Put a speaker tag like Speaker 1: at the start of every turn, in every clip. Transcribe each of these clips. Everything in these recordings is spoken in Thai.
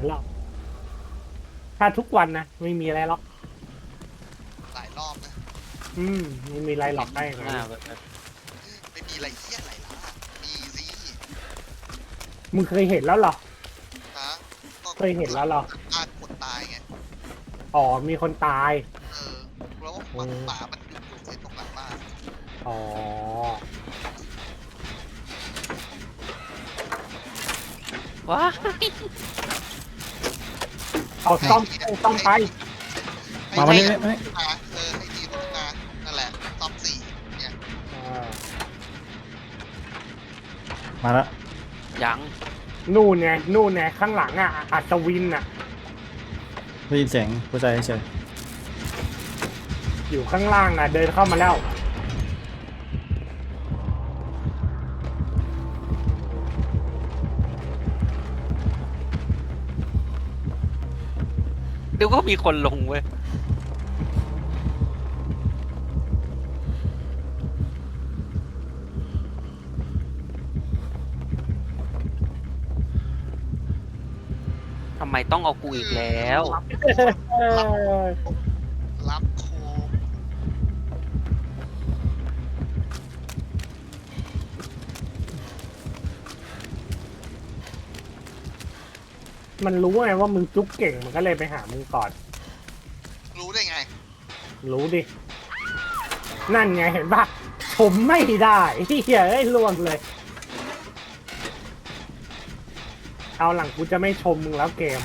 Speaker 1: หรอกถ้าทุกวันนะไม่มีอะไรหรอก
Speaker 2: หลายรอบนะ
Speaker 1: ไม่มีอะไรหรอกได้ไง
Speaker 2: ไม่มีอะไรเหี้ยอะไรล่ะมีสิ
Speaker 1: มึงเคยเห็นแล้วหรอ
Speaker 2: ฮะ
Speaker 1: เคยเห็นแล้วหรอ
Speaker 2: การคนตายไง
Speaker 1: อ๋อมีคนตาย
Speaker 2: แล้วมันป่ามันอยู่ที่ตรงหลังบ้าน
Speaker 1: อ๋อ
Speaker 3: ว้า
Speaker 1: เอาซ่อมไป
Speaker 4: มาวันนี้ไม่
Speaker 2: ให้ทีตรงนานั่นแหละซ่อม4เนี่ย
Speaker 4: มาแล้ว
Speaker 3: ยัง
Speaker 1: นู่นไงข้างหลังอ่ะอัศวินอ่ะ
Speaker 4: ได้ยินเสียงผู้ชายเฉย
Speaker 1: อยู่ข้างล่างอ่ะเดินเข้ามาแล้ว
Speaker 3: เดี๋ยวก็มีคนลงเว้ยทำไมต้องเอากูอีกแล้ว
Speaker 2: รับโคม
Speaker 1: มันรู้ไงว่ามึงจุ๊กเก่งมันก็เลยไปหามึงก่อน
Speaker 2: รู้ได้ไง
Speaker 1: รู้ดินั่นไงเห็นปะผมไม่ได้ที่เหี้ยล่วงเลยเอาหลังกูจะไม่ชมมึงแล้วเกม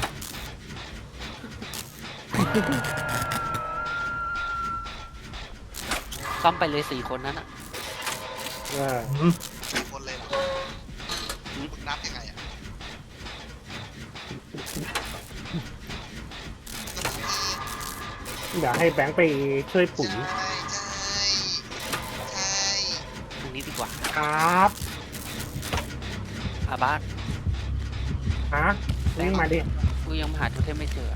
Speaker 3: ซ่อมไปเลย4 คนนั้นอ่ะ
Speaker 2: 4 คนเลยเหรอมึงนับยังไงอ่ะ
Speaker 1: เดี๋ยวให้แบงค์ไปช่วยปุ๋ย
Speaker 2: ใช่
Speaker 3: ตรงนี้ดีกว่า
Speaker 1: ครับ
Speaker 3: อาบ้าน
Speaker 1: ฮะวิ่งมาดิ
Speaker 3: กูยังหาโทเทมไม่เจอ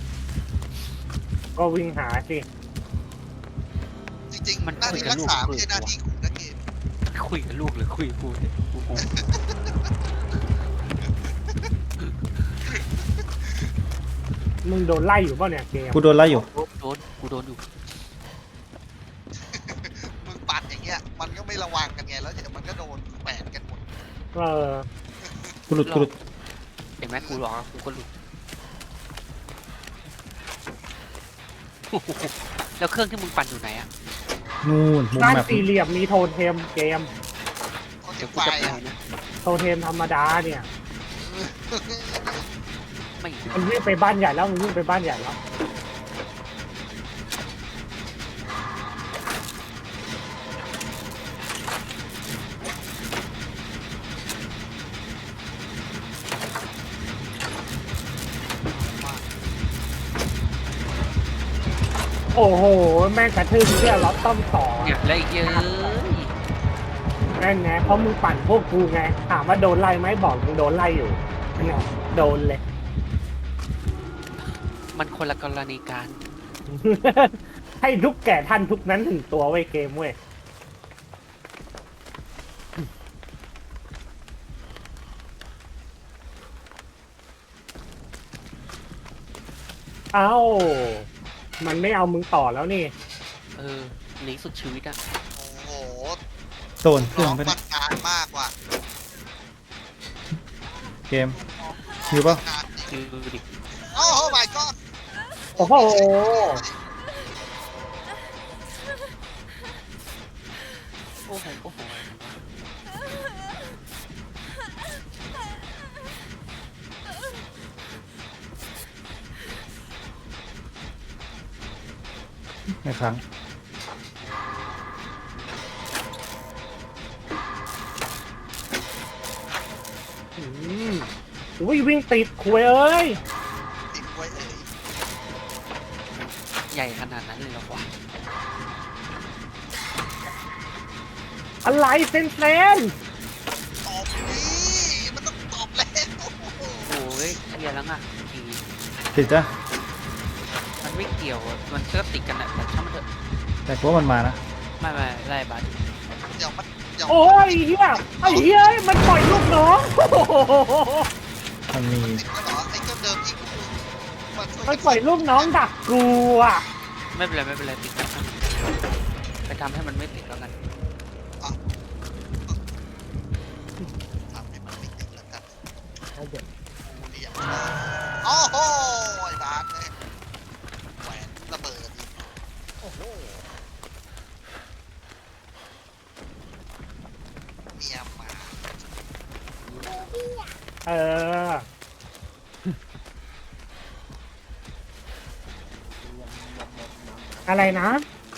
Speaker 1: ก็วิ่งหาสิ
Speaker 2: จริงๆมันหน้าที่รักษาไม่ใช่หน้าที่กูนะเกม
Speaker 3: คุยกับลูกหรือคุยกับกูเนี่ย
Speaker 1: มึงโดนไล่อยู่ป่ะเนี่ยเกม
Speaker 4: กูโดนไล่อยู่
Speaker 3: กูโดนอยู่
Speaker 2: มึงปัดอย่างเงี้ยมันก็ไม่ระวังกันไงแล้วเดี๋ยวมันก็โดนแปดกันหมด
Speaker 4: กูหลุด
Speaker 3: เห็นไหมกูหลอกกูก็หลุดแล้วเครื่องที่มึงปั่นอยู่ไหนอะ
Speaker 4: นู่นมุม
Speaker 1: ด้าน
Speaker 4: แบบ
Speaker 1: สี่เหลี่ยมมีโทเทมเกม
Speaker 3: เดี๋ยวกูจะไปนะ
Speaker 1: โทเทมธรรมดาเนี่ย
Speaker 3: ไม่
Speaker 1: มันวิ่งไปบ้านใหญ่แล้วมันวิ่งไปบ้านใหญ่แล้วโอ้โหแม่งกระทืบเพื่อล็อตต้อมต่อ
Speaker 3: เนี่ยอะไรเยอะ
Speaker 1: แม่งไงเพราะมึงปั่นพวกกูไงถามว่าโดนไล่ไหมบอกมึงโดนไล่อยู่เนี่ยโดนเลย
Speaker 3: มันคนละกรณีการ
Speaker 1: ให้ทุกแก่ท่านทุกนั้นถึงตัวไว้เกมเว้ยเอ้ามันไม่เอามึงต่อแล้วนี่
Speaker 3: หนีสุดชีวิตอะ
Speaker 2: โอ้โห
Speaker 4: โดนเครื่องไป
Speaker 2: มันนานมากว่ะ
Speaker 4: เกมอยู่ป่ะ
Speaker 3: คือดิ
Speaker 2: โอ้โห my god
Speaker 1: โอ้โห
Speaker 3: โอ้โห
Speaker 4: ไม่ครั้ง
Speaker 1: วิ่งติดคุยเอ้ย
Speaker 2: ติดไว้
Speaker 3: ใหญ่ขนาดนั้นเลยเหรอวะ
Speaker 1: อะไรเซน
Speaker 2: ตอบดิมันต้องตอบแล้ว
Speaker 3: โอ้ยเรียนแล้วไง
Speaker 4: ติดจ้ะ
Speaker 3: มันไม่เกี่ยวมันก็ติดกันแหละแต่ช่างมันเถอะ
Speaker 4: แต่พวกมันมานะ
Speaker 3: ไม่ไล่บัส
Speaker 2: เดี๋ยวมัน
Speaker 1: โอ้ยเฮียไอ้เฮียมันปล่อยลูกน้อง
Speaker 4: มันมี
Speaker 2: ติดแล้วเหรอไอ้เจ้าเดิมที่
Speaker 1: มันปล่อยลูกน้องดักกูอ่ะ
Speaker 3: ไม่เป็นไรไม่เป็นไรติดแล้วไปทำให้มันไม่ติดแล้วกัน
Speaker 2: ทำให้มันไม่ติดแล้วกัน
Speaker 1: เอาเดี๋ยว
Speaker 2: เรียบร้อยโอ้โหไอ้บาสเลยแหวนระเบิดอีกโอ้โหเมียมา
Speaker 1: เออ อะไรนะ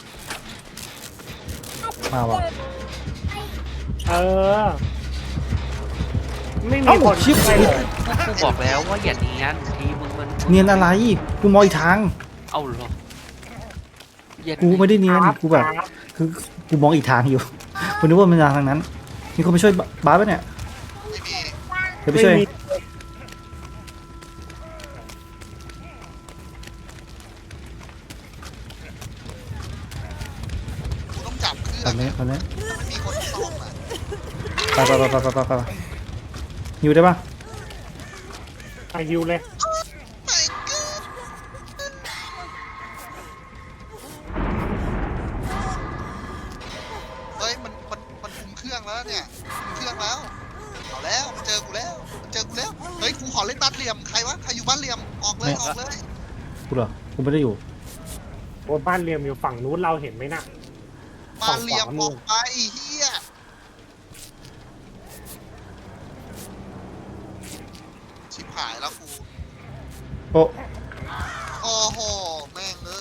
Speaker 4: มาวะ
Speaker 1: เออ ไม่มี
Speaker 4: เอ้า
Speaker 1: คน
Speaker 4: ชิบ
Speaker 1: ไปเลย
Speaker 3: กูบอกแล้วว่าอย่าเนียนทีมึงมัน
Speaker 4: เนียนอะไรกูมองอีกทาง
Speaker 3: เอาเหรออย่า
Speaker 4: กูไม่ได้เนียน
Speaker 1: ครับ
Speaker 4: กูแบบคือกูมองอีกทางอยู่กูนึกว่ามันทางนั้นมีคนไปช่วยบาสปะเนี่ย
Speaker 2: ไม่มี
Speaker 4: เดี๋ยวไปช่วย
Speaker 1: ไม่มี
Speaker 2: กูต้องจับเครื่อง
Speaker 4: ตอนนี้ตอนนี้
Speaker 2: มันมีคนซ่อมอ่ะ
Speaker 4: ไปอยู่ได้ปะ
Speaker 1: อายุเลย
Speaker 2: ไม่เกินเฮ้ยมันคุมเครื่องแล้วเนี่ยคุมเครื่องแล้วเอาแล้วมันเจอกูแล้วมันเจอกูแล้วเฮ้ยกูขอเล่นบ้านเหลี่ยมใครวะใครอยู่บ้านเหลี่ยมออกเลยออกเลย
Speaker 4: กูเหรอกูไม่ได้อยู่
Speaker 1: โอ้บ้านเรียมอยู่ฝั่งนู้นเราเห็นไหมน่ะ
Speaker 2: บ้านเหลี่ยมออกไปไอ้เฮียชิบหายแล้วกู
Speaker 4: โอ้
Speaker 2: โอ้โหแม่งเลย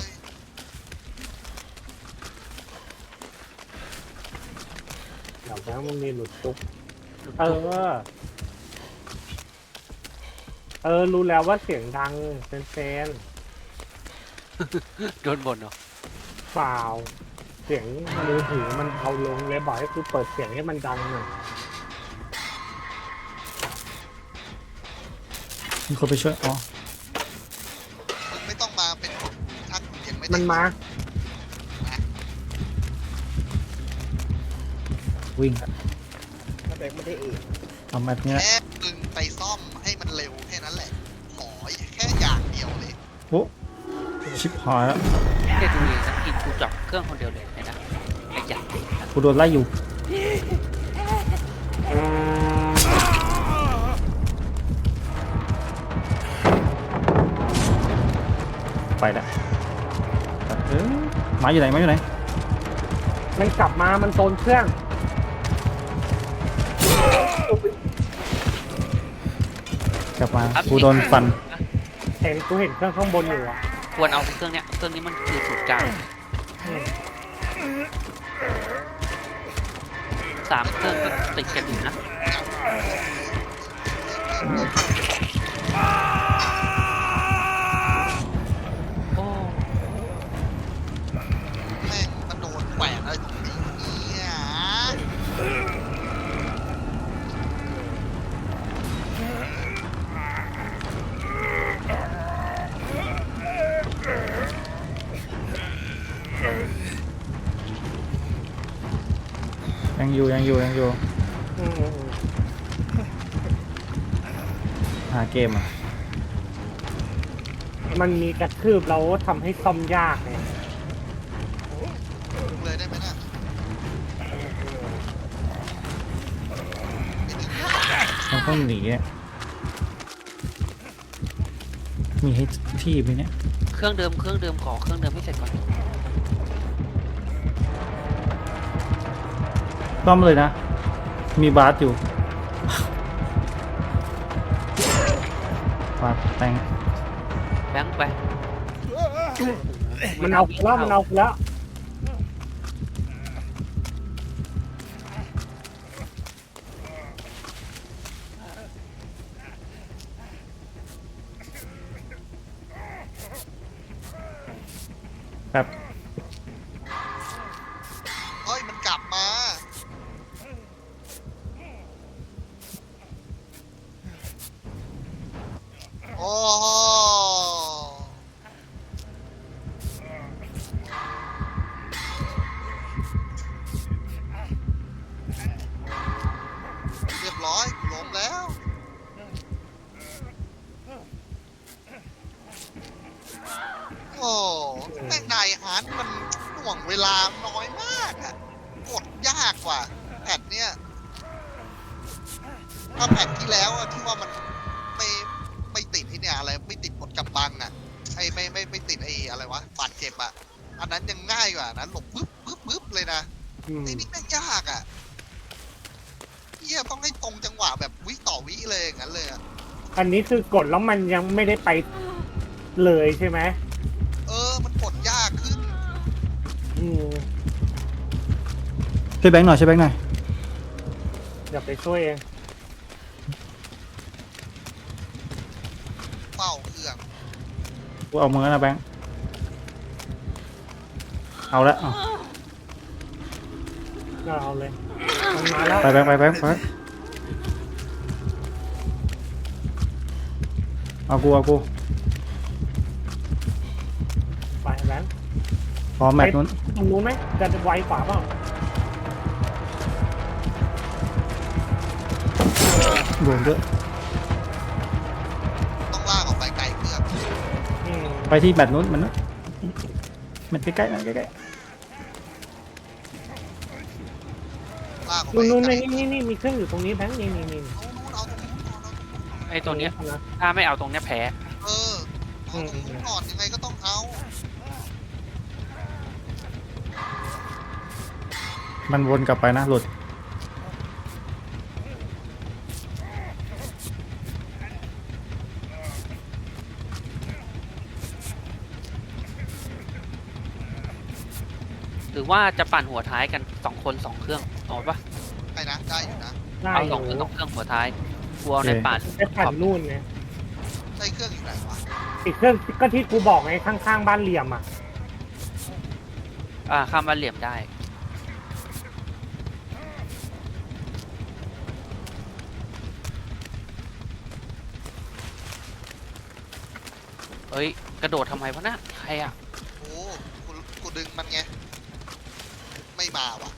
Speaker 1: เดี๋ยวแล้วมึงมีหลุดจุกเออ เออ รู้แล้วว่าเสียงดังเซน
Speaker 3: โดนบ่นเหรอ
Speaker 1: เปล่า เสียงมือถือมันเอาลงเลยบอกให้กูเปิดเสียงให้มันดังหน่อย
Speaker 4: มีคนไปช่วยอ๋อ
Speaker 2: มึงไม่ต้องมาเป็นทักเห็นไม่ได้
Speaker 1: มันมา
Speaker 4: วิ่ง
Speaker 5: ถ้าแบงค์ไม่ได้เอง
Speaker 4: เอาแบบนี้นะ
Speaker 2: แค่มึงไปซ่อมให้มันเร็วแค่นั้นแหละขอแค่อย่างเดียวเลย
Speaker 4: โอ้ชิบหายแล้ว
Speaker 3: แค่ดูเองสักทีกูจับเครื่องคนเดียวเลยเห็นนะไอ้ยักษ์
Speaker 4: กูโดนไล่อยู่ไปละหมาอยู่ไหนหมาอยู่ไหน
Speaker 1: มันกลับมา มันโซนเครื่อง
Speaker 4: กลับมากูโดนฟัน
Speaker 1: กูเห็นเครื่องข้างบนอยู่อ่ะ
Speaker 3: ควรเอาเครื่องเนี้ยเครื่องนี้มันคือศูนย์กลาง3 เครื่องก็ติดกันอยู่นะโอ้
Speaker 2: แม่งมันโดนแขวนอะไรตรงนี้เนี่ย
Speaker 4: ยังอยู่
Speaker 1: อืม
Speaker 4: หาเกมอ่ะ
Speaker 1: มันมีกระทืบแล้วทำให้ซ่อมยากไง
Speaker 2: ดึงเลยได้ไหมน่ะ
Speaker 4: มันต้องหนีอะมีให้ที่ไหมเนี่ย
Speaker 3: เครื่องเดิมขอเครื่องเดิมให้เสร็จก่อน
Speaker 4: ซ่อมเลยนะ มีบาสอยู่ บาสแต่ง
Speaker 3: แบงค์ไป
Speaker 1: มันเอากูแล้วมันเอากูแล้ว
Speaker 4: แบบ
Speaker 2: เฮ้ยมันกลับมาโอ้โหเรียบร้อยกูล้มแล้วแม่งนายฮาร์ดมันหน่วงเวลาน้อยมากอะกดยากกว่าแพทเนี้ยถ้าแพทที่แล้วอะที่ว่ามันไม่ติดไอ้เนี่ยอะไรไม่ติดกดกำบังอะไอ้ไม่ติดไอ้อะไรวะบาดเจ็บอะอันนั้นยังง่ายกว่านะหลบปึ๊บเลยนะ ไอ้นี่แม่งยากอ่ะเฮียต้องให้ตรงจังหวะแบบวิต่อวิเลยอย่างนั้นเลยอ่ะ
Speaker 1: อันนี้คือกดแล้วมันยังไม่ได้ไปเลยใช่ไหม
Speaker 2: มันกดยากขึ้น
Speaker 1: อืม
Speaker 4: ช่วยแบงค์หน่อยช่วยแบงค์หน่อย
Speaker 1: เดี๋ยวไปช่วยเอง
Speaker 2: เฝ้าเครื่อง
Speaker 4: กูเอามือนะแบงค์เอาละเอา
Speaker 1: ก็เอาเลยมันมาแล้ว
Speaker 4: ไปแบงค์ไปเอากู
Speaker 1: ไปแบงค์
Speaker 4: พร้อมแมตช์นู้น
Speaker 1: ตรงนู้นไหมจะไวกว่าเปล่า
Speaker 4: โดนด้วย
Speaker 2: ต้องลากออกไปไกลเครื่อง
Speaker 1: อืม
Speaker 4: ไปที่แมตช์นู้นมันใกล้ๆมันใกล้
Speaker 2: ลากออกไป
Speaker 1: นู้น
Speaker 2: ไกล
Speaker 1: นี่มีเครื่องอยู่ตรงนี้แบงค์นี่
Speaker 2: เอาตรงนู้นเอาตรงนู้น
Speaker 3: ไอ้ตัวเนี้ย
Speaker 1: นะ
Speaker 3: ถ้าไม่เอาตรงเนี้ยแพ้
Speaker 2: เอาตรงนู้นก่อนยังไงก็ต้องเอา
Speaker 4: ๆมันวนกลับไปนะหลุด
Speaker 3: หรือว่าจะปั่นหัวท้ายกัน2 คน 2 เครื่องเอาปะ
Speaker 2: ไปนะได้อยู่นะ
Speaker 1: ได้
Speaker 3: เอา
Speaker 1: อ
Speaker 3: 2
Speaker 1: ยู่
Speaker 3: เครื่องหัวท้ายกลัวในป่าน
Speaker 1: ไปผ่านนู่นไง
Speaker 2: ได้เครื่องอยู่ไหนวะ
Speaker 1: อีกเครื่องก็ที่กูบอกไงข้างๆบ้านเหลี่ยมอ่ะ
Speaker 3: ข้ามบ้านเหลี่ยมได้เอ้ยกระโดดทำไมวะน่ะใครอ่ะ
Speaker 2: โอ้กูดึงมันไงไม่มาว่ะ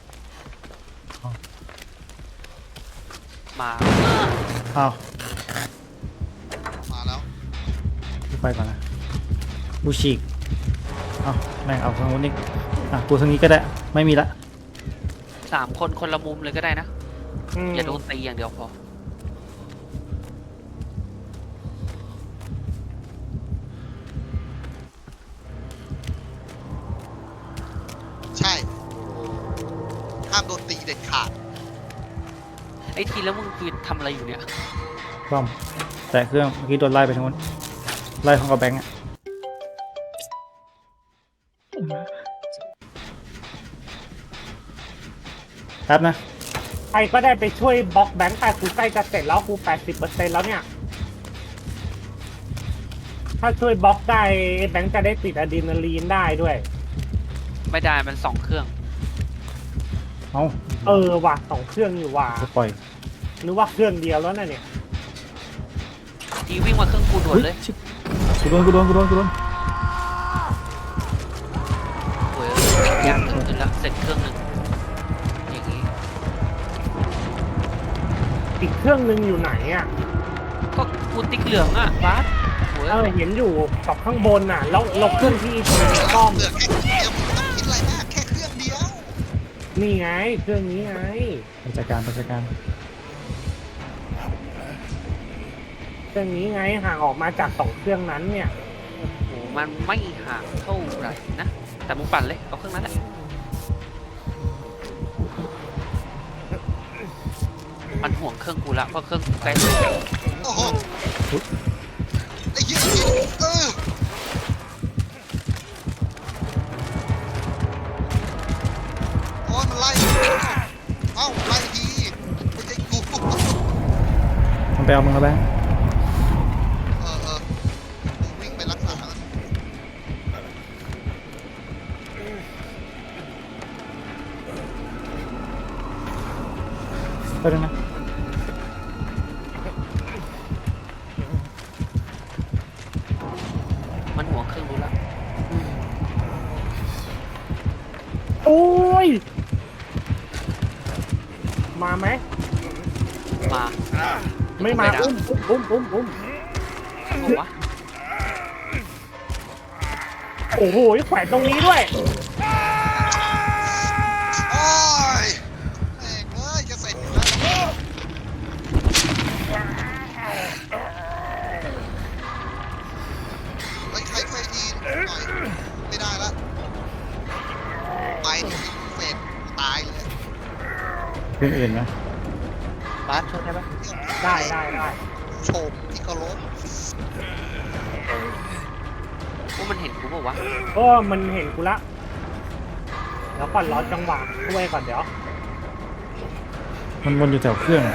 Speaker 3: มา
Speaker 4: เอา
Speaker 2: มาแล้ว
Speaker 4: กูไปก่อนนะกูฉีกเอาแม่งเอาทางนู้นนี่กูทางนี้ก็ได้ไม่มีละ
Speaker 3: 3 คนคนละมุมเลยก็ได้นะ
Speaker 1: ม
Speaker 3: อย่าโดนตีอย่างเดียวพอ
Speaker 2: ใช่ห้ามโดนตีเด็ดขาด
Speaker 3: ไอ้ทีแล้วมึงคือทำอะไรอยู่เนี่ย
Speaker 4: ป้อมแต่เครื่องเมื่อกี้โดนไล่ไปทางนู้นไล่ของกับแบงค์อะแป๊บนะ
Speaker 1: ใครก็ได้ไปช่วยบล็อกแบงค์แต่กูใกล้จะเสร็จแล้วกู 80% แล้วเนี่ย ถ้าช่วยบล็อกได้แบงค์จะได้ติดอะดรีนาลีนได้ด้วย
Speaker 3: ไม่ได้มัน2 เครื่อง
Speaker 4: เอา
Speaker 1: ว่ะ2 เครื่องอยู่ว่ะ
Speaker 4: จะปล่อย
Speaker 1: หรือว่าเครื่องเดียวแล้วน่ะเนี่ย
Speaker 3: ทีวิ่งมาเครื่องกูด่วนเลย
Speaker 4: ชิบกูโดน
Speaker 3: โอ้ยยากขึ้นละเสร็จเครื่องหนึ่งอย่างงี้
Speaker 1: อีกเครื่องหนึงอยู่ไหนอ่ะ
Speaker 3: ก็กูติ๊กเหลืองอ่ะบาสโอ้ย
Speaker 1: เห็นอยู่กับข้างบนน่ะแล้วเครื่องที่ซ่อม
Speaker 2: เหลือแค่เครื่องเดียวมึงไม่ต้องคิดอะไรมากแค่เครื่องเดียว
Speaker 1: นี่ไงเครื่องนี้ไง
Speaker 4: ไปจัดการ
Speaker 1: เครื่องนี้ไงห่างออกมาจาก2 เครื่องนั้นเนี่ย
Speaker 3: โหมันไม่ห่างเท่าไหร่นะ แต่มึงปั่นเลย เอาเครื่องนั้นแหละ มันห่วงเครื่องกูละเพราะเครื่องกูใกล้สุด
Speaker 2: โอ้โหไอ้เหี้ยโอ้ยมันไล่เอ้าไล่ทีไม่ใช่กู
Speaker 4: มันไปเอามึงแล้วแบงค์
Speaker 2: กูวิ่งไปรักษา
Speaker 4: ไปด้วยนะ
Speaker 3: มันห่วงเครื่องกูละ
Speaker 1: โอ้ยมาไหม
Speaker 3: มา
Speaker 1: ไม่มา
Speaker 3: ด้
Speaker 1: อุ้ม
Speaker 3: บอกว่า
Speaker 1: โอ้โอ้โหแขวนตรงนี้ด้วย
Speaker 2: โอ้ยแม่งเอ้ยจะเสร็จอยู่แล้วเฮ้ยใครช่วยทีหน่อยไม่ได้ละไปดิเฟดตายเลย
Speaker 4: เรื่องอื่นไหม
Speaker 3: บาสช่วยได้ปะ
Speaker 1: ได้
Speaker 2: โฉมที่เคารพ
Speaker 3: ว่ามันเห็นกูเปล่าวะ
Speaker 1: ก็มันเห็นกูละเดี๋ยวก่อนรอจังหวะช่วยก่อนเดี๋ยว
Speaker 4: มันวนอยู่แถวเครื่อง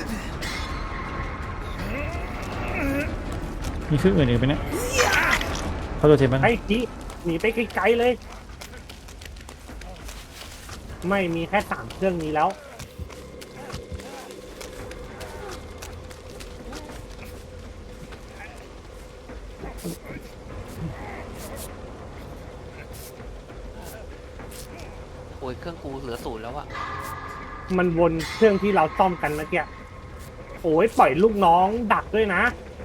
Speaker 4: มีเครื่องอื่นอีกไหมเนี่ยเขาตัวเทปมัน
Speaker 1: ไอ้จีหนีไปไกลๆเลย ไม่มีแค่3 เครื่องนี้แล้ว
Speaker 3: โอ้ยเครื่องกูเหลือ0แล้วอะ
Speaker 1: มันวนเครื่องที่เราซ่อมกันเมื่อกี้โอ้ยปล่อยลูกน้องดักด้วยนะ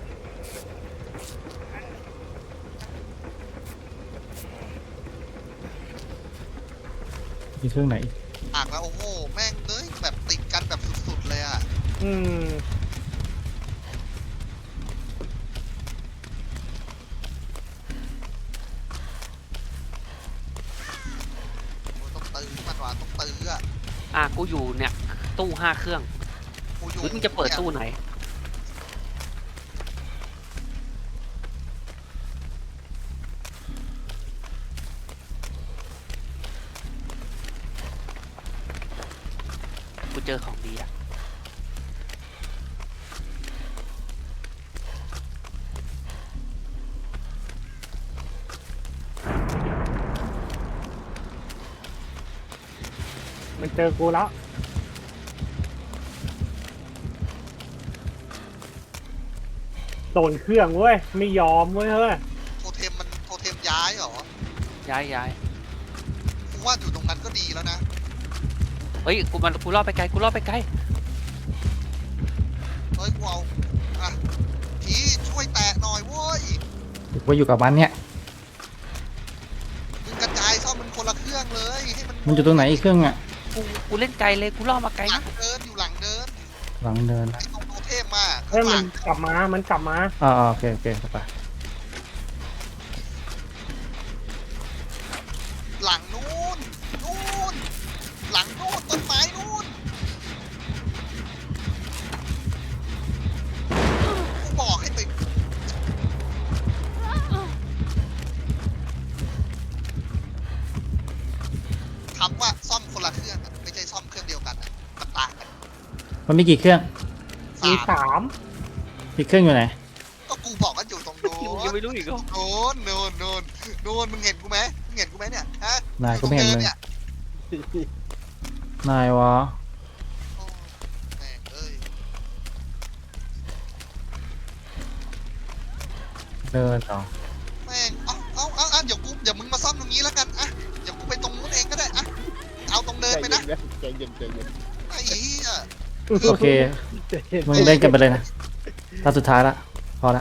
Speaker 4: มีเครื่องไหนอีก
Speaker 2: อ่างแล้วโอ้โหแม่งเอ้ยแบบติดกันแบบสุดๆเลยอ่ะ
Speaker 1: อืม
Speaker 2: โอ้ยต้องตื้อมันว่ะต้องตื้ออ่ะ
Speaker 3: กูอยู่เนี่ยตู้5 เครื่อง
Speaker 2: กูอยู่
Speaker 3: หรือมึงจะเปิดตู้ไหน กูเจอของดีอะ
Speaker 1: มันเจอกูแล้วโดนเครื่องเว้ย ไม่ยอมเว้ยเฮ้ย
Speaker 2: โทเทมมันโทเทมย้ายเหรอ
Speaker 3: ย้าย
Speaker 2: กูว่าอยู่ตรงนั้นก็ดีแล้วนะ
Speaker 3: เฮ้ยกูรอดไปไกลกูรอดไปไกล
Speaker 2: เฮ้ยกูเอาอ่ะพี่ช่วยแตะหน่อยเว้ย
Speaker 4: ว่าอยู่กับมันเนี่ย
Speaker 2: มึงกระจายซ่อมมันคนละเครื่องเลยให้มัน
Speaker 4: มันอยู่ตรงไหนอีกเครื่องอ่ะ
Speaker 3: กูเล่นไกลเลยกูรอดมาไกล
Speaker 2: หลั
Speaker 3: นะ
Speaker 2: งเดินอยู่หลังเดิน
Speaker 4: หลังเดิน
Speaker 2: ไอ้ตรงโทเทมมา
Speaker 1: เฮ้ย
Speaker 2: ข้างห
Speaker 1: มั
Speaker 2: ลั
Speaker 1: น
Speaker 2: ง
Speaker 1: กลับมา มันกลับมา
Speaker 4: โอเคเข้าไป
Speaker 2: หลังนู้นหลังนู้นต้นไม้นู้นกูบอกให้ไปคำว่าซ่อมคนละเครื่องอะไม่ใช่ซ่อมเครื่องเดียวกันอะมันต่างกัน
Speaker 4: มันมีกี่เครื่อง
Speaker 1: มี
Speaker 2: สาม
Speaker 1: 3
Speaker 4: อีกเครื่องอยู่ไหน
Speaker 2: ก็กูบอกว่าอยู่ตรงโน้
Speaker 3: มึง
Speaker 2: น
Speaker 3: ยังไม่รู้อีกเหรอ
Speaker 2: โน้นมึงเห็นกูไหมเนี่ยฮะ
Speaker 4: นายก็ไม่เห็นเลย
Speaker 2: อยู่ตรง
Speaker 4: นายวะ
Speaker 2: โอ้แม่งเอ้ย
Speaker 4: เดินต่อ
Speaker 2: แม่งเอาเดี๋ยวมึงมาซ่อมตรงนี้แล้วกันอะเดี๋ยวกูไปตรงนู้นเองก็ได้อะเอาตรงเดินไปนะ
Speaker 5: ใจเย็น
Speaker 2: ไอ้เหี้ย
Speaker 4: โอเค
Speaker 5: ใจเย็น
Speaker 4: มึงเล่นกันไปเลยนะตาสุดท้ายละพอละ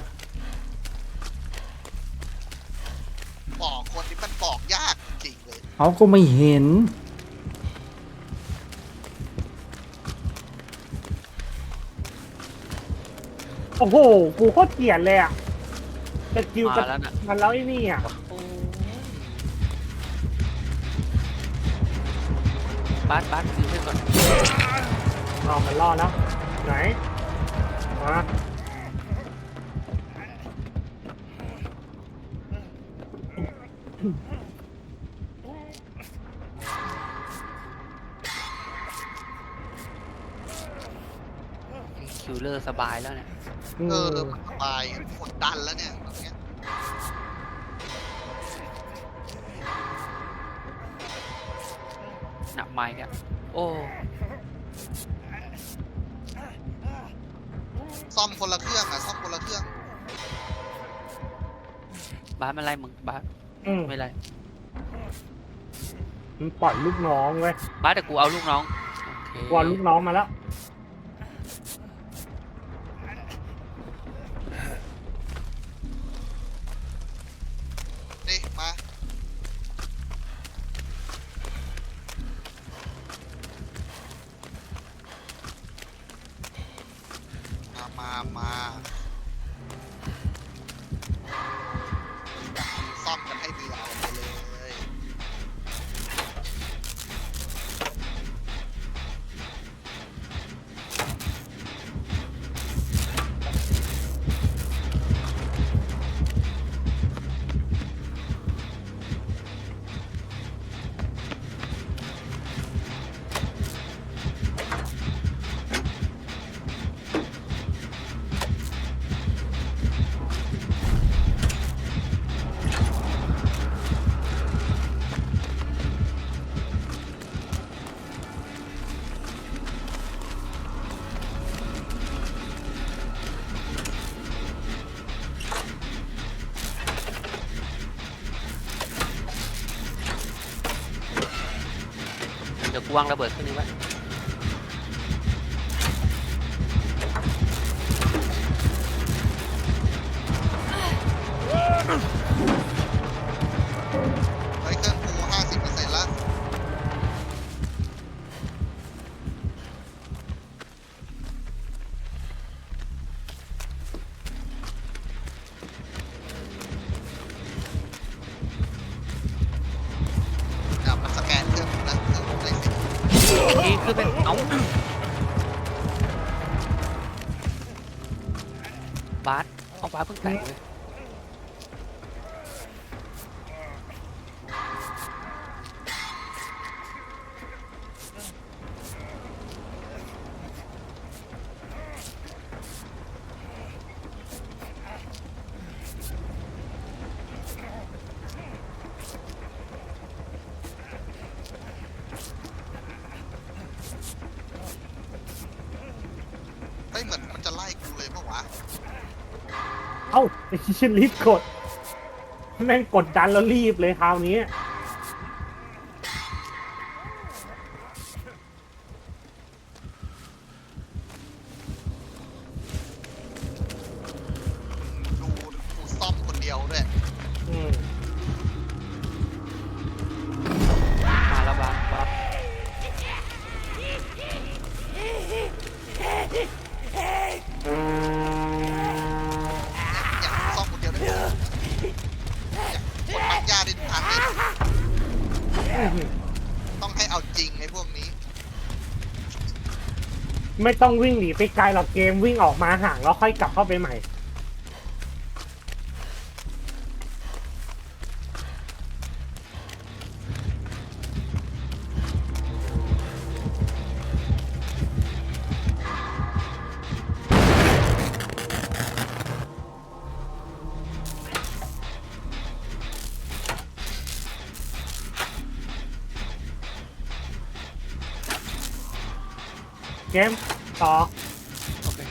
Speaker 2: บอกคนที่มันบอกยากจริงเลย
Speaker 4: เอาก็ไม่เห็น
Speaker 1: โอ้โห กูโคตรเกลียดเลยอ่ะจะคิว
Speaker 3: มา
Speaker 1: กับ
Speaker 3: แล้วน่ะ
Speaker 1: มันแล้วไอ้นี่อ่ะ
Speaker 3: โอ้บาสซื้อให้ก่อน
Speaker 1: เอามันรอดแล้ว ไหน มา
Speaker 3: คิวเลอร์สบายแล้วเนี่ย
Speaker 1: อืม
Speaker 2: มันสบายกดดันแล้วเนี่ยตอนเนี้ย
Speaker 3: หนักไม้เนี่ยโอ้
Speaker 2: ซ่อมคนละเครื่องอะซ่อมคนละเครื่อง
Speaker 3: บาสไม่ไรมึงบาส
Speaker 1: อืม
Speaker 3: ไม่ไร
Speaker 1: มันปล่อยลูกน้องเว้ย
Speaker 3: บาสแต่กูเอาลูกน้องโอเค
Speaker 1: กวนลูกน้องมาแล้ว
Speaker 2: นี่มาามมาซ่อมกันให้เดือดไปเลย
Speaker 3: เดี๋ยวกูวางระเบิดขึ้นนี้ไว้
Speaker 2: เฮ้ยเครื่องกู50%แล้วเดี๋ยวมันสแกนเครื่องกูนะเครื่องกูได้10
Speaker 3: อีกทีคือเป็นเอาบาสเอาบาสเพิ่งแตกเลย
Speaker 2: เฮ้ยเหมือนมันจะไล่กูเลยปะวะ
Speaker 1: เอ้าไอ้ชิ้นรีบกดแม่งกดดันแล้วรีบเลยคราวนี้
Speaker 2: ดูกูซ่อมคนเดียวด้วย
Speaker 1: อืม
Speaker 3: มาแล้วบาสบาส
Speaker 2: อยากซ่อมคนเดียวด้วยอยากคนปักยาดิทุกครั้งเลย
Speaker 1: อื้อหือ
Speaker 2: ต้องให้เอาจริงไอ้พวกนี้
Speaker 1: ไม่ต้องวิ่งหนีไปไกลหรอกเกมวิ่งออกมาห่างแล้วค่อยกลับเข้าไปใหม่ เกมต่อ
Speaker 3: โอเค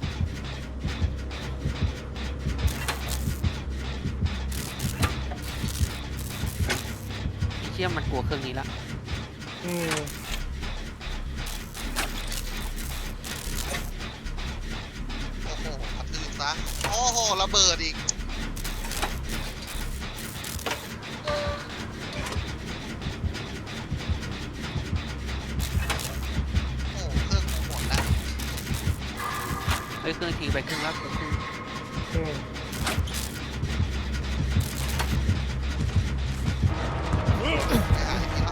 Speaker 3: ไอ้เชี่ยมันกลัวเครื่องนี้ละ
Speaker 1: อืม
Speaker 2: โอ้โหกระทืบซะโอ้โหระเบิดอีกโอ้เครื่องกูหมดแล้ว
Speaker 3: เฮ้ยเครื่องทีไปครึ่งแล้วกูครึ่ง
Speaker 1: อืม
Speaker 2: ไปหาไอ้นี่ละ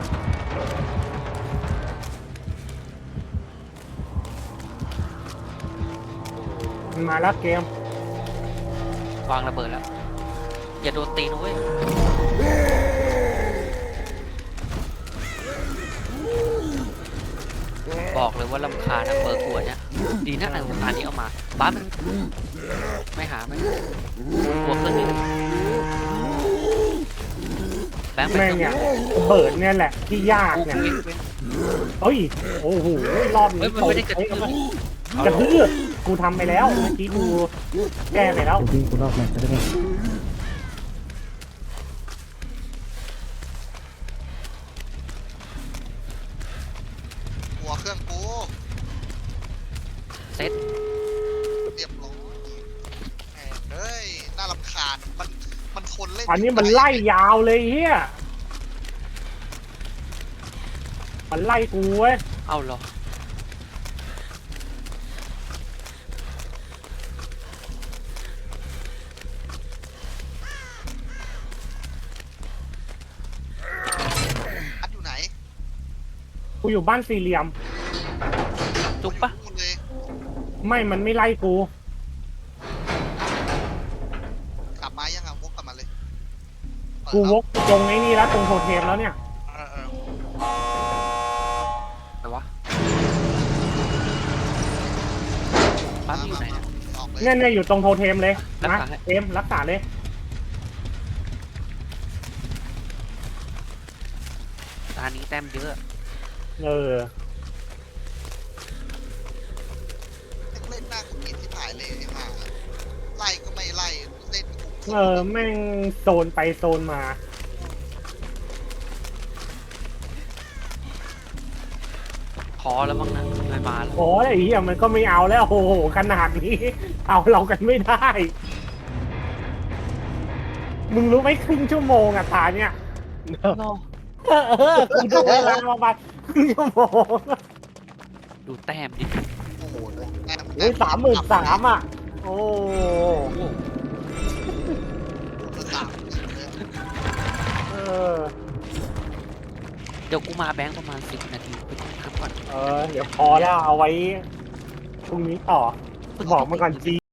Speaker 1: มันมาแล้วเกม
Speaker 3: วางระเบิดแล้ว อย่าโดนตีนะเว้ยบอกเลยว่าลำคาญนะเบอร์กลัวเนี่ยดีนะอันนี้เอามาบ้ามันไม่หาไม่กลัวเครื่องนี้แบงค์ไป
Speaker 1: แม่ง
Speaker 3: เครื่
Speaker 1: เนี่
Speaker 3: อย ง
Speaker 1: ระเบิดเนี่ยแหละที่ยากเนี่ย
Speaker 3: เว้นเว้น
Speaker 1: เฮ้ยโอ้โหรอบ
Speaker 3: เฮ้
Speaker 1: นี้
Speaker 3: ยมันไม่ได้กระทืบ
Speaker 1: กระทืบกูทำไปแล้วเมื่อกี้กูแก้ไปแล้ว
Speaker 4: กูวิ่งกูรอบแรกจะได้ไหม
Speaker 2: หัวเครื่องกู
Speaker 3: เซ็ต
Speaker 2: เรียบร้อยแหมเฮ้ยน่ารำคาญมันทนเล่น
Speaker 1: อันนี้มันไล่ยาวเลยเฮียมันไล่กูเว้ย
Speaker 3: เอาเหรอ
Speaker 1: กูอยู่บ้านสี่เหลี่ยม
Speaker 3: จุกปะ
Speaker 2: หมดเลย
Speaker 1: ไม่มันไม่ไล่กู
Speaker 2: กลับมายังอ่ะวกกลับมาเลยเปิด
Speaker 1: กู
Speaker 2: แล้ว
Speaker 1: วกตรงไอ้นี่แล้วตรงโทเทมแล้วเนี่ย
Speaker 2: เออ
Speaker 3: อะไรวะบ้านมันอยู่ไหนเนี่ย
Speaker 2: ออกเลย
Speaker 1: เนี่ยอยู่ตรงโทเทมเลย
Speaker 3: รัก
Speaker 1: นะ
Speaker 3: ษาให้
Speaker 1: เทมรักษาเลย
Speaker 3: ตานี้แต้มเยอะ
Speaker 1: เออ
Speaker 2: เล่นหน้าคุณกินที่ถ่ายเลยไอ้ห่าไล่ก็ไม่ไล่เล่นกู
Speaker 1: แม่งโซนไปโซนมา
Speaker 3: พอแล้วมั้งนะไม่มาแล้ว
Speaker 1: โอ้ยไอ้เหี้ยมันก็ไม่เอาแล้วโอ้โหขนาดนี้ เอาเรากันไม่ได้ มึงรู้ไหมครึ่งชั่วโมงอะตาเนี่ย
Speaker 3: รอ
Speaker 1: กูดูเวลาประมาณครึ่งชั่วโมง
Speaker 3: ดูแต้มดิ
Speaker 2: โอ้โหแต้ม
Speaker 1: โอ้ย33,000อะโอ้
Speaker 2: 30,000เลย
Speaker 1: เออ
Speaker 3: เดี๋ยวกูมาแบงค์ประมาณ10 นาทีไปทำก่อน
Speaker 1: เดี๋ยวพอแล้วเอาไว้พรุ่งนี้ต่อ บอกมาก่อนจี